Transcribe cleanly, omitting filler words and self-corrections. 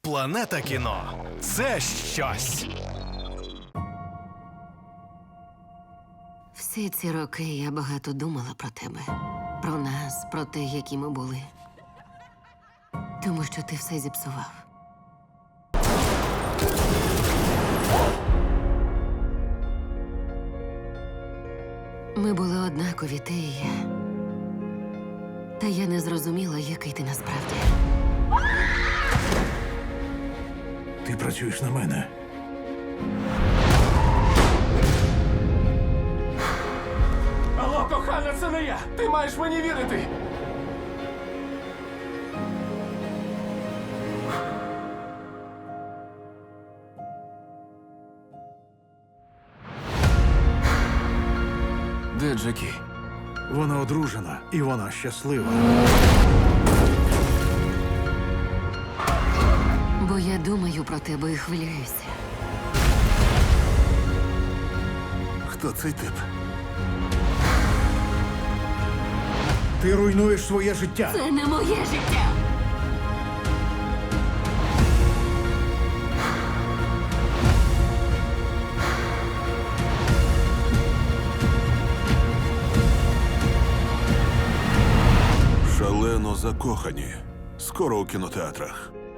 Планета кіно – це щось. Всі ці роки я багато думала про тебе. Про нас, про те, які ми були. Тому що ти все зіпсував. Ми були однакові, ти і я. Та я не зрозуміла, який ти насправді. Ти працюєш на мене. Алло, кохана, це не я! Ти маєш мені вірити! Де Джекі? Вона одружена, і вона щаслива. Бо я думаю про тебе і хвилююся. Хто цей тип? Ти руйнуєш своє життя. Це не моє життя! Шалено закохані. Скоро у кінотеатрах.